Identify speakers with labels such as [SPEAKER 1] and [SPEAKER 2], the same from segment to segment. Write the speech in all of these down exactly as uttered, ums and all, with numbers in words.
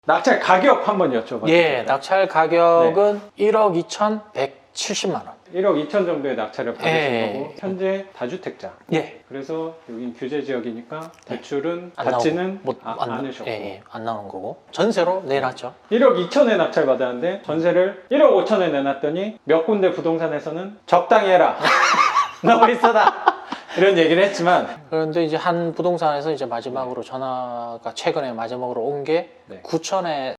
[SPEAKER 1] 낙찰 가격 한번 여쭤봐도
[SPEAKER 2] 예,
[SPEAKER 1] 될까요?
[SPEAKER 2] 낙찰 가격은 네. 일억 이천백칠십만 원.
[SPEAKER 1] 일억 이천 정도의 낙찰을 받으신
[SPEAKER 2] 예.
[SPEAKER 1] 거고 현재 다주택자.
[SPEAKER 2] 예.
[SPEAKER 1] 그래서 여긴 규제 지역이니까 대출은
[SPEAKER 2] 안
[SPEAKER 1] 받지는
[SPEAKER 2] 못,
[SPEAKER 1] 아,
[SPEAKER 2] 안,
[SPEAKER 1] 않으셨고
[SPEAKER 2] 예, 예, 안 나오는 거고 전세로 내놨죠.
[SPEAKER 1] 일억 이천에 낙찰 받았는데 전세를 일억 오천에 내놨더니 몇 군데 부동산에서는 적당히 해라. 너무 비싸다. 이런 얘기를 했지만
[SPEAKER 2] 그런데 이제 한 부동산에서 이제 마지막으로 전화가 최근에 마지막으로 온 게
[SPEAKER 1] 네.
[SPEAKER 2] 구천에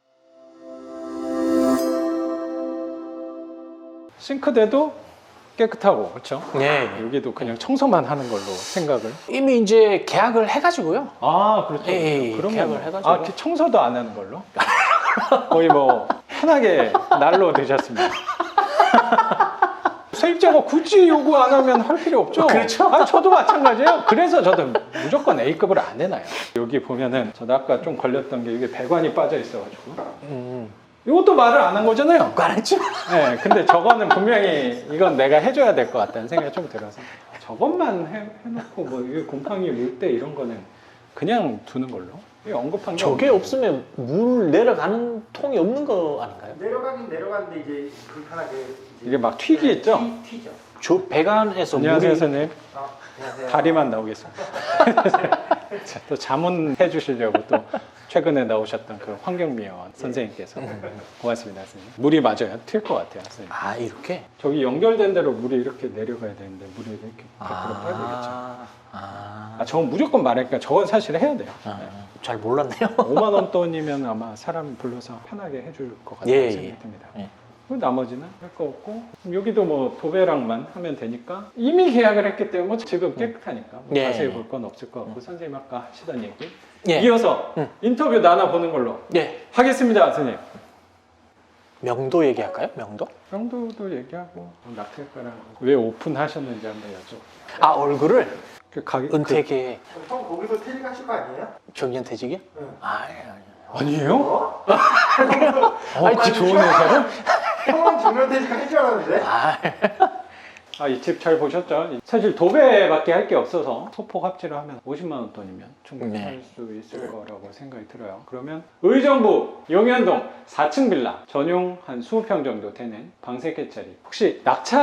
[SPEAKER 1] 싱크대도 깨끗하고 그렇죠?
[SPEAKER 2] 네.
[SPEAKER 1] 여기도 그냥 청소만 하는 걸로 생각을.
[SPEAKER 2] 이미 이제 계약을 해가지고요.
[SPEAKER 1] 아 그렇죠.
[SPEAKER 2] 예, 예,
[SPEAKER 1] 그러면
[SPEAKER 2] 계약을 해가지고.
[SPEAKER 1] 아 이렇게 청소도 안 하는 걸로 거의 뭐 편하게 날로 드셨습니다. 세입자가 굳이 요구 안 하면 할 필요 없죠.
[SPEAKER 2] 그렇죠.
[SPEAKER 1] 아, 저도 마찬가지예요. 그래서 저도 무조건 A급을 안 해놔요. 여기 보면은 저도 아까 좀 걸렸던 게 이게 배관이 빠져 있어가지고
[SPEAKER 2] 음,
[SPEAKER 1] 이것도 말을 안 한 거잖아요.
[SPEAKER 2] 안 했죠.
[SPEAKER 1] 네, 근데 저거는 분명히 이건 내가 해줘야 될 것 같다는 생각이 좀 들어서 저것만 해, 해놓고 뭐 이게 곰팡이 물때 이런 거는 그냥 두는 걸로. 이게 언급한 게
[SPEAKER 2] 저게
[SPEAKER 1] 없는
[SPEAKER 2] 없으면 물 내려가는 통이 없는 거 아닌가요?
[SPEAKER 3] 내려가긴 내려가는데 이제 불편하게 이제
[SPEAKER 1] 이게 막 튀기겠죠?
[SPEAKER 3] 튀, 튀죠.
[SPEAKER 2] 저 배관에서
[SPEAKER 1] 안녕하세요
[SPEAKER 2] 물이
[SPEAKER 1] 선생님.
[SPEAKER 3] 아, 안녕하세요.
[SPEAKER 1] 다리만 나오겠습니다. 자, 또 자문해 주시려고 또 최근에 나오셨던 그 환경미화원 선생님께서 고맙습니다 선생님. 물이 맞아요. 튈 것 같아요 선생님.
[SPEAKER 2] 아 이렇게?
[SPEAKER 1] 저기 연결된 대로 물이 이렇게 내려가야 되는데 물이 이렇게 밖으로 빠지겠죠.
[SPEAKER 2] 아, 아,
[SPEAKER 1] 아, 저건 무조건 말하니까 저건 사실 해야 돼요.
[SPEAKER 2] 아,
[SPEAKER 1] 네.
[SPEAKER 2] 잘 몰랐네요.
[SPEAKER 1] 오만 원 돈이면 아마 사람 불러서 편하게 해줄 것 같다는
[SPEAKER 2] 예,
[SPEAKER 1] 생각이
[SPEAKER 2] 예.
[SPEAKER 1] 듭니다.
[SPEAKER 2] 예.
[SPEAKER 1] 그 나머지는 할 거 없고 여기도 뭐 도배랑만 하면 되니까 이미 계약을 했기 때문에 뭐 지금 깨끗하니까 뭐
[SPEAKER 2] 예.
[SPEAKER 1] 자세히 볼 건 없을 것 같고 선생님 아까 하시던 얘기
[SPEAKER 2] 예.
[SPEAKER 1] 이어서
[SPEAKER 2] 음.
[SPEAKER 1] 인터뷰 나눠보는 걸로
[SPEAKER 2] 예.
[SPEAKER 1] 하겠습니다 선생님.
[SPEAKER 2] 명도 얘기할까요? 명도?
[SPEAKER 1] 정도도 얘기하고 낙찰가랑 왜 오픈하셨는지 한번 여쭤볼게요.
[SPEAKER 2] 아 얼굴을
[SPEAKER 1] 그 가격
[SPEAKER 2] 은퇴계
[SPEAKER 3] 형 거기서 퇴직하실 거 아니에요?
[SPEAKER 2] 정년퇴직이요?
[SPEAKER 3] 응.
[SPEAKER 2] 아 아니, 아니.
[SPEAKER 1] 그, 아니에요?
[SPEAKER 3] 어?
[SPEAKER 1] 어, 그 좋은 회사를?
[SPEAKER 3] 형은 정년 퇴직할 줄 알았는데?
[SPEAKER 2] 아,
[SPEAKER 1] 아, 이 집 잘 보셨죠? 사실 도배밖에 할 게 없어서 소폭 합치를 하면 오십만 원 돈이면 충분히
[SPEAKER 2] 네.
[SPEAKER 1] 할 수 있을 거라고 생각이 들어요. 그러면 의정부 용현동 사 층 빌라 전용 한 이십 평 정도 되는 방 세 개짜리 혹시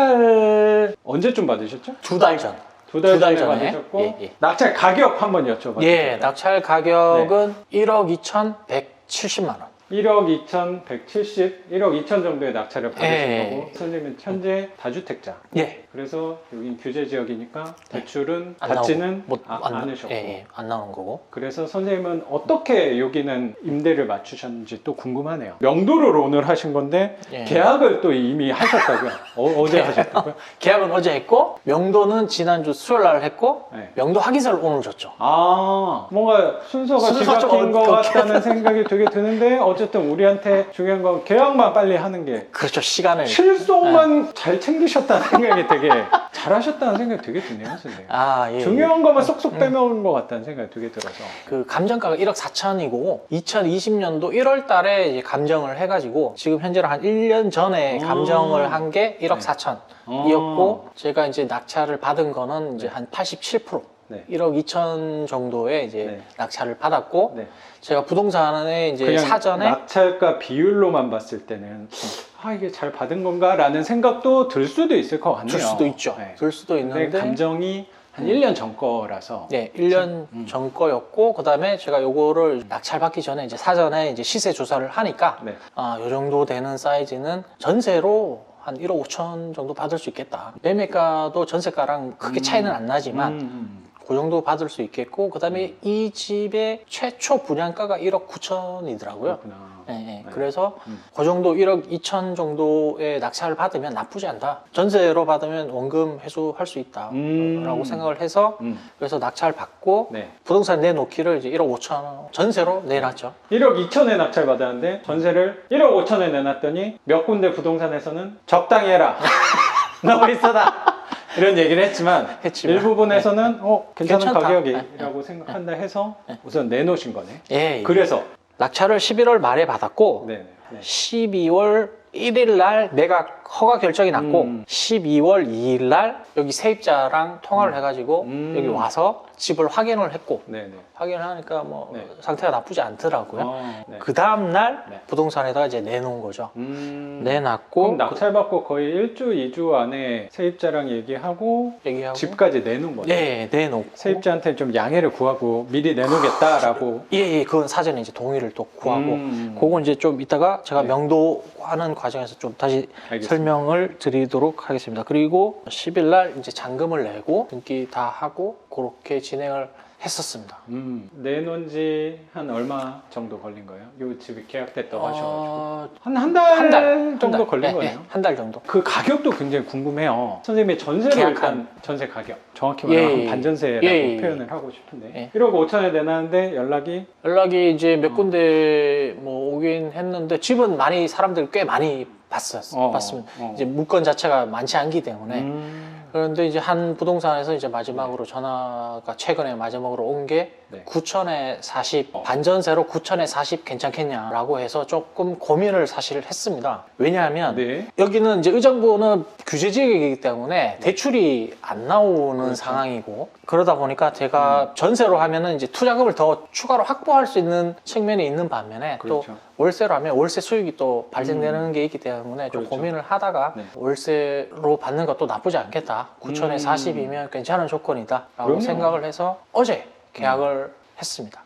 [SPEAKER 1] 낙찰 언제쯤 받으셨죠?
[SPEAKER 2] 두 달 전.
[SPEAKER 1] 두 달
[SPEAKER 2] 두달
[SPEAKER 1] 전에
[SPEAKER 2] 전에?
[SPEAKER 1] 받으셨고
[SPEAKER 2] 예, 예.
[SPEAKER 1] 낙찰 가격 한번 여쭤봐도
[SPEAKER 2] 예,
[SPEAKER 1] 될까요?
[SPEAKER 2] 낙찰 가격은 일억 이천백칠십만 원.
[SPEAKER 1] 일억 이천백칠십, 일억 이천 정도의 낙찰을 받으신
[SPEAKER 2] 예.
[SPEAKER 1] 거고 선생님은 현재 다주택자.
[SPEAKER 2] 예.
[SPEAKER 1] 그래서 여긴 규제 지역이니까 대출은
[SPEAKER 2] 안
[SPEAKER 1] 받지는
[SPEAKER 2] 나오고, 못,
[SPEAKER 1] 아,
[SPEAKER 2] 안,
[SPEAKER 1] 않으셨고
[SPEAKER 2] 예, 예, 안 나오는 거고.
[SPEAKER 1] 그래서 선생님은 어떻게 여기는 임대를 맞추셨는지 또 궁금하네요. 명도를 오늘 하신 건데
[SPEAKER 2] 예.
[SPEAKER 1] 계약을 또 이미 하셨다고요? 어, 어제 하셨다고요?
[SPEAKER 2] 계약은 어제 했고 명도는 지난주 수요일 날 했고
[SPEAKER 1] 네.
[SPEAKER 2] 명도 확인서를 오늘 줬죠.
[SPEAKER 1] 아 뭔가 순서가
[SPEAKER 2] 순서가 좀
[SPEAKER 1] 뒤바뀐 것
[SPEAKER 2] 어-
[SPEAKER 1] 같다는 생각이 되게 드는데 어쨌든 우리한테 중요한 건 계약만 빨리 하는 게
[SPEAKER 2] 그렇죠. 시간을.
[SPEAKER 1] 실속만 잘 챙기셨다는 생각이 되게 잘하셨다는 생각이 되게 드네요 선생님.
[SPEAKER 2] 아, 예.
[SPEAKER 1] 중요한 것만 쏙쏙 빼먹은 것 같다는 생각이 되게 들어서
[SPEAKER 2] 그 감정가가 일억 사천이고 이천이십 년도 일월 달에 이제 감정을 해가지고 지금 현재로 한 일 년 전에
[SPEAKER 1] 오.
[SPEAKER 2] 감정을 한 게 일억
[SPEAKER 1] 네.
[SPEAKER 2] 사천이었고 제가 이제 낙찰을 받은 거는 이제
[SPEAKER 1] 네.
[SPEAKER 2] 한 팔십칠 퍼센트
[SPEAKER 1] 네.
[SPEAKER 2] 일억 이천 정도의 이제
[SPEAKER 1] 네.
[SPEAKER 2] 낙찰을 받았고
[SPEAKER 1] 네.
[SPEAKER 2] 제가 부동산에 이제
[SPEAKER 1] 그냥
[SPEAKER 2] 사전에
[SPEAKER 1] 낙찰가 비율로만 봤을 때는 아 이게 잘 받은 건가 라는 생각도 들 수도 있을 것 같네요.
[SPEAKER 2] 들 수도 있죠.
[SPEAKER 1] 네.
[SPEAKER 2] 들 수도
[SPEAKER 1] 근데
[SPEAKER 2] 있는데
[SPEAKER 1] 감정이 한
[SPEAKER 2] 음.
[SPEAKER 1] 일 년 전 거라서
[SPEAKER 2] 네, 일 년
[SPEAKER 1] 음.
[SPEAKER 2] 전 거였고 그다음에 제가 요거를 낙찰 받기 전에 이제 사전에 이제 시세 조사를 하니까
[SPEAKER 1] 네.
[SPEAKER 2] 아, 요 정도 되는 사이즈는 전세로 한 일억 오천 정도 받을 수 있겠다. 매매가도 전세가랑 크게 차이는 안 나지만
[SPEAKER 1] 음, 음.
[SPEAKER 2] 그 정도 받을 수 있겠고 그다음에 이 집의 최초 분양가가 일억 구천이더라고요.
[SPEAKER 1] 그렇구나.
[SPEAKER 2] 예, 예.
[SPEAKER 1] 네.
[SPEAKER 2] 그래서
[SPEAKER 1] 음.
[SPEAKER 2] 그 정도 일억 이천 정도의 낙찰을 받으면 나쁘지 않다. 전세로 받으면 원금 회수할 수 있다라고
[SPEAKER 1] 음.
[SPEAKER 2] 생각을 해서
[SPEAKER 1] 음.
[SPEAKER 2] 그래서 낙찰 받고
[SPEAKER 1] 네.
[SPEAKER 2] 부동산 내놓기를 이제 일억 오천 원 전세로 내놨죠.
[SPEAKER 1] 일억 이천에 낙찰 받았는데 전세를 일억 오천에 내놨더니 몇 군데 부동산에서는 적당히 해라. 너무 비싸다. 이런 얘기를 했지만,
[SPEAKER 2] 했지만.
[SPEAKER 1] 일부분에서는 어, 괜찮은
[SPEAKER 2] 괜찮다.
[SPEAKER 1] 가격이라고 생각한다 해서 우선 내놓으신 거네.
[SPEAKER 2] 예, 예.
[SPEAKER 1] 그래서
[SPEAKER 2] 낙찰을 십일월 말에 받았고
[SPEAKER 1] 네, 네.
[SPEAKER 2] 십이월 일 일 날 매각 허가 결정이 났고
[SPEAKER 1] 음.
[SPEAKER 2] 십이월 이 일 날 여기 세입자랑 통화를
[SPEAKER 1] 음.
[SPEAKER 2] 해가지고
[SPEAKER 1] 음.
[SPEAKER 2] 여기 와서 집을 확인을 했고
[SPEAKER 1] 네네.
[SPEAKER 2] 확인을 하니까 뭐
[SPEAKER 1] 네.
[SPEAKER 2] 상태가 나쁘지 않더라고요.
[SPEAKER 1] 어, 네.
[SPEAKER 2] 그 다음 날
[SPEAKER 1] 네.
[SPEAKER 2] 부동산에다가 이제 내놓은 거죠.
[SPEAKER 1] 음.
[SPEAKER 2] 내놨고
[SPEAKER 1] 그럼 낙찰받고 거의 일 주, 이 주 안에 세입자랑 얘기하고
[SPEAKER 2] 그 얘기하고
[SPEAKER 1] 집까지 내놓은 거죠.
[SPEAKER 2] 네, 내놓고
[SPEAKER 1] 세입자한테 좀 양해를 구하고 미리 내놓겠다라고.
[SPEAKER 2] 예, 예, 그건 사전에 이제 동의를 또 구하고
[SPEAKER 1] 음.
[SPEAKER 2] 그건 이제 좀 이따가 제가
[SPEAKER 1] 네.
[SPEAKER 2] 명도하는 과정에서 좀 다시
[SPEAKER 1] 알겠습니다.
[SPEAKER 2] 설명을 드리도록 하겠습니다. 그리고 십 일 날 이제 잔금을 내고 등기 다 하고 그렇게 진행을 했었습니다.
[SPEAKER 1] 음. 내놓은 지 한 얼마 정도 걸린 거예요? 요 집이 계약됐다고 하셔가지고
[SPEAKER 2] 어,
[SPEAKER 1] 한 한 달
[SPEAKER 2] 한 달
[SPEAKER 1] 정도 걸린
[SPEAKER 2] 네,
[SPEAKER 1] 거네요.
[SPEAKER 2] 네, 한 달 정도.
[SPEAKER 1] 그 가격도 굉장히 궁금해요. 선생님의 전세로
[SPEAKER 2] 계약한.
[SPEAKER 1] 일단 전세 가격 정확히
[SPEAKER 2] 예,
[SPEAKER 1] 말하면
[SPEAKER 2] 예,
[SPEAKER 1] 반전세라고
[SPEAKER 2] 예, 예.
[SPEAKER 1] 표현을 하고 싶은데
[SPEAKER 2] 예.
[SPEAKER 1] 일억 오천에 내놨는데 연락이
[SPEAKER 2] 연락이 이제 몇
[SPEAKER 1] 어.
[SPEAKER 2] 군데 뭐 오긴 했는데 집은 많이 사람들 꽤 많이 봤었,
[SPEAKER 1] 어,
[SPEAKER 2] 봤습니다.
[SPEAKER 1] 어.
[SPEAKER 2] 이제 물건 자체가 많지 않기 때문에
[SPEAKER 1] 음.
[SPEAKER 2] 그런데 이제 한 부동산에서 이제 마지막으로 전화가 최근에 마지막으로 온 게
[SPEAKER 1] 네.
[SPEAKER 2] 구천에 사십
[SPEAKER 1] 어.
[SPEAKER 2] 반전세로 구천에 사십 괜찮겠냐라고 해서 조금 고민을 사실 했습니다. 왜냐하면
[SPEAKER 1] 네.
[SPEAKER 2] 여기는 이제 의정부는 규제 지역이기 때문에 대출이 안 나오는
[SPEAKER 1] 그렇죠.
[SPEAKER 2] 상황이고 그러다 보니까 제가 전세로 하면은 이제 투자금을 더 추가로 확보할 수 있는 측면이 있는 반면에 또
[SPEAKER 1] 그렇죠.
[SPEAKER 2] 월세로 하면 월세 수익이 또 발생되는 게 있기 때문에 좀
[SPEAKER 1] 그렇죠.
[SPEAKER 2] 고민을 하다가
[SPEAKER 1] 네.
[SPEAKER 2] 월세로 받는 것도 나쁘지 않겠다. 구천에
[SPEAKER 1] 음.
[SPEAKER 2] 사십이면 괜찮은 조건이다. 라고
[SPEAKER 1] 그럼요.
[SPEAKER 2] 생각을 해서 어제 계약을 했습니다.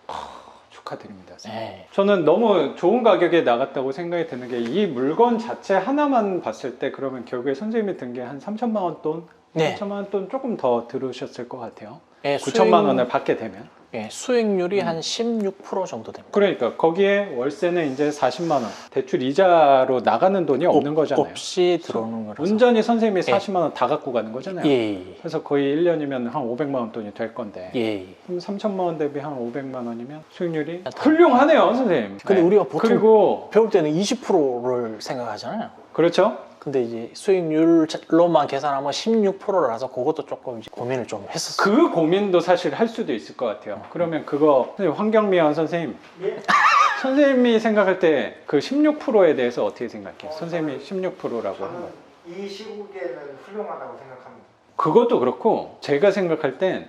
[SPEAKER 1] 축하드립니다. 선생님.
[SPEAKER 2] 네.
[SPEAKER 1] 저는 너무 좋은 가격에 나갔다고 생각이 드는 게 이 물건 자체 하나만 봤을 때 그러면 결국에 선생님이 든 게 한 삼천만 원 돈,
[SPEAKER 2] 네.
[SPEAKER 1] 삼천만 원 돈 조금 더 들으셨을 것 같아요.
[SPEAKER 2] 예,
[SPEAKER 1] 구천만
[SPEAKER 2] 수익-
[SPEAKER 1] 원을 받게 되면.
[SPEAKER 2] 예, 수익률이
[SPEAKER 1] 음.
[SPEAKER 2] 한 십육 퍼센트 정도 됩니다.
[SPEAKER 1] 그러니까 거기에 월세는 이제 사십만 원, 대출 이자로 나가는 돈이 없는
[SPEAKER 2] 없-
[SPEAKER 1] 거잖아요.
[SPEAKER 2] 없이 들어오는 거라서.
[SPEAKER 1] 온전히 선생님이
[SPEAKER 2] 예.
[SPEAKER 1] 사십만 원 다 갖고 가는 거잖아요.
[SPEAKER 2] 예,
[SPEAKER 1] 그래서 거의 일 년이면 한 오백만 원 돈이 될 건데
[SPEAKER 2] 예. 예.
[SPEAKER 1] 그럼 삼천만 원 대비 한 오백만 원이면 수익률이
[SPEAKER 2] 다-
[SPEAKER 1] 훌륭하네요, 선생님.
[SPEAKER 2] 근데
[SPEAKER 1] 네.
[SPEAKER 2] 우리가 보통
[SPEAKER 1] 그리고
[SPEAKER 2] 배울 때는 이십 퍼센트를 생각하잖아요.
[SPEAKER 1] 그렇죠.
[SPEAKER 2] 근데 이제 수익률로만 계산하면 십육 퍼센트라서 그것도 조금 이제 고민을 좀 했었어요.
[SPEAKER 1] 그 고민도 사실 할 수도 있을 것 같아요. 그러면 그거 선생님, 황경미원 선생님,
[SPEAKER 3] 예.
[SPEAKER 1] 선생님이 생각할 때 그 십육 퍼센트에 대해서 어떻게 생각해요?
[SPEAKER 3] 어,
[SPEAKER 1] 선생님이 십육 퍼센트라고 한
[SPEAKER 3] 저는
[SPEAKER 1] 거예요.
[SPEAKER 3] 이 시국에는 훌륭하다고 생각합니다.
[SPEAKER 1] 그것도 그렇고 제가 생각할 땐